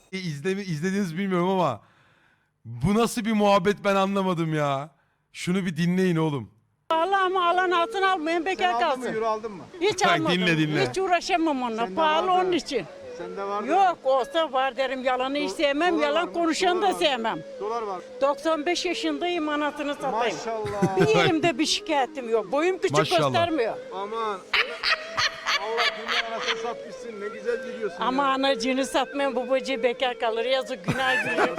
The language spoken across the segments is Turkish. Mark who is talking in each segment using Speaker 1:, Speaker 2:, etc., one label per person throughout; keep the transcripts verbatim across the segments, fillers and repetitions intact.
Speaker 1: E, izlemi izlediğiniz bilmiyorum ama bu nasıl bir muhabbet ben anlamadım ya. Şunu bir dinleyin oğlum.
Speaker 2: Pahalı ama alan altın almayın, bekar
Speaker 3: Sen aldın mı?
Speaker 2: kalsın.
Speaker 3: Euro aldın mı?
Speaker 2: Hiç
Speaker 1: Bak,
Speaker 2: almadım.
Speaker 1: dinle, dinle.
Speaker 2: Hiç uğraşamam onunla.
Speaker 3: Sende
Speaker 2: Pahalı
Speaker 3: vardı.
Speaker 2: onun için.
Speaker 3: Sende var mı?
Speaker 2: Yok olsa var derim, yalanı hiç sevmem,
Speaker 3: Dolar var
Speaker 2: yalan
Speaker 3: mı?
Speaker 2: konuşanı
Speaker 3: Dolar
Speaker 2: da
Speaker 3: var mı?
Speaker 2: sevmem.
Speaker 3: Dolar var.
Speaker 2: doksan beş yaşındayım, anasını satayım.
Speaker 3: Maşallah.
Speaker 2: Bir yerimde bir şikayetim yok. Boyum küçük
Speaker 1: Maşallah.
Speaker 2: göstermiyor.
Speaker 3: Aman. Allah dünya anasını satmışsın. Ne güzel gidiyorsun
Speaker 2: Ama
Speaker 3: ya.
Speaker 2: anacığını satmayan babacığı bekar kalır. Yazık, günah gülür.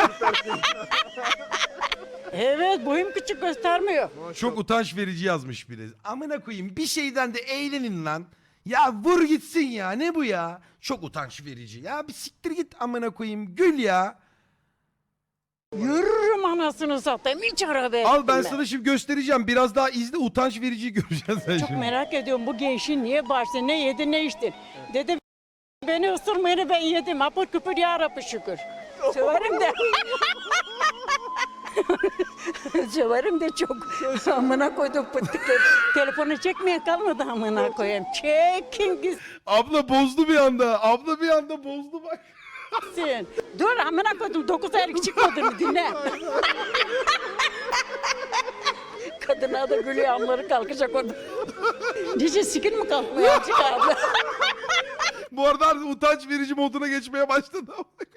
Speaker 2: Evet, boyum küçük göstermiyor.
Speaker 1: Çok utanç verici yazmış biri. Amına koyayım bir şeyden de eğlenin lan. Ya vur gitsin ya, ne bu ya? Çok utanç verici. Ya bir siktir git amına koyayım, gül ya.
Speaker 2: Yürürüm anasını satayım. Hiç araba
Speaker 1: Al ben
Speaker 2: ettim
Speaker 1: sana şimdi göstereceğim. Biraz daha izle, utanç verici göreceksin sen
Speaker 2: Çok
Speaker 1: şimdi.
Speaker 2: merak ediyorum bu gençin niye bağırsın, ne yedi ne içti. Dedim beni ısırmayını ben yedim. Apır küpür ya Rabbi şükür. Söverim de. Söverim de çok. Amına koydum pıttıkları. Telefonu çekmeye kalmadı amına koyayım. Çekin
Speaker 1: Abla bozdu bir anda. Abla bir anda bozdu bak.
Speaker 2: gitsin. Dur amına koydum. Dokuz aylık çıkmadığını dinle. Kadına da gülüyor, amları kalkacak orada. Nice sikin mi kalkmıyor azıcık abi?
Speaker 1: Bu arada utanç verici moduna geçmeye başladı.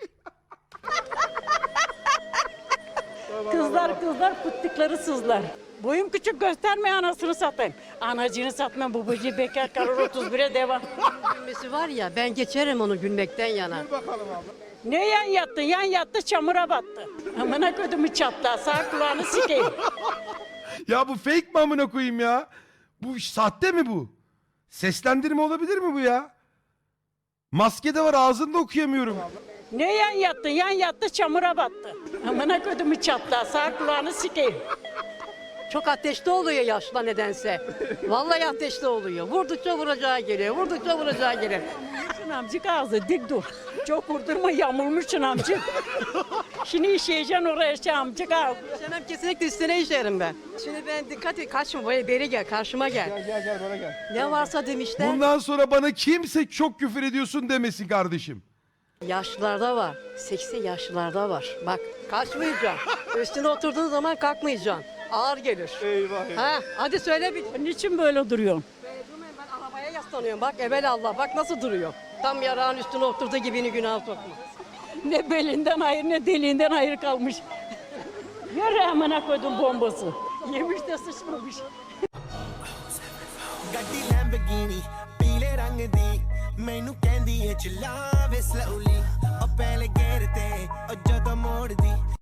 Speaker 2: Kızlar kızlar pıttıkları sızlar. Boyum küçük gösterme anasını satayım. Anacını satmam, babacığı bekar kalır, otuz bire devam.
Speaker 4: Gülmesi var ya, ben geçerim onu gülmekten yana.
Speaker 3: Bakalım abi.
Speaker 2: Ne yan yattı? Yan yattı, çamura battı. Amına kodumu çatla, sağ kulağını sikeyim.
Speaker 1: Ya bu fake mi amına koyayım ya? Bu sahte mi bu? Seslendirme olabilir mi bu ya? Maske de var, ağzını da okuyamıyorum.
Speaker 2: Ne yan yattı? Yan yattı, çamura battı. Amına kodumu çatla, sağ kulağını sikeyim.
Speaker 4: Çok ateşli oluyor yaşla nedense. Vallahi ateşli oluyor. Vurdukça vuracağı geliyor, vurdukça vuracağı geliyor.
Speaker 2: Şun amcık ağzı dik dur. Çok vurdurma, yamulmuşsun amcık. Şimdi işeyeceksin oraya şey amcık ağzı.
Speaker 4: İşlemem kesinlikle üstüne işerim ben. Şimdi ben dikkat et, kaçma böyle beri gel, karşıma gel.
Speaker 3: Gel gel gel bana gel.
Speaker 4: Ne varsa demişler,
Speaker 1: Bundan sonra bana kimse çok küfür ediyorsun demesin kardeşim.
Speaker 4: yaşlılarda var, seksi yaşlılarda var. Bak, kaçmayacaksın. Üstüne oturduğun zaman kalkmayacaksın. Ağır gelir.
Speaker 3: Eyvah eyvah.
Speaker 4: Ha, hadi söyle bir.
Speaker 2: Niçin böyle duruyorsun?
Speaker 4: Ben arabaya yaslanıyorum bak, evelallah bak nasıl duruyor. Tam yarağın üstüne oturduğu gibini günah sokma.
Speaker 2: Ne belinden hayır ne deliğinden hayır kalmış. Yürü amına koydum bombası. Yemiş de sıçmamış.
Speaker 5: ਗੱਡੀ ਲੈਂਬਰਗਿਨੀ ਪੀਲੇ ਰੰਗ ਦੀ ਮੈਨੂੰ ਕਹਿੰਦੀ ਏ ਚਲਾਵੇ ਸਲੋਲੀ ਉਹ ਪਹਿਲੇ ਗੇਰ ਤੇ ਉਹ ਜਦੋਂ ਮੋੜਦੀ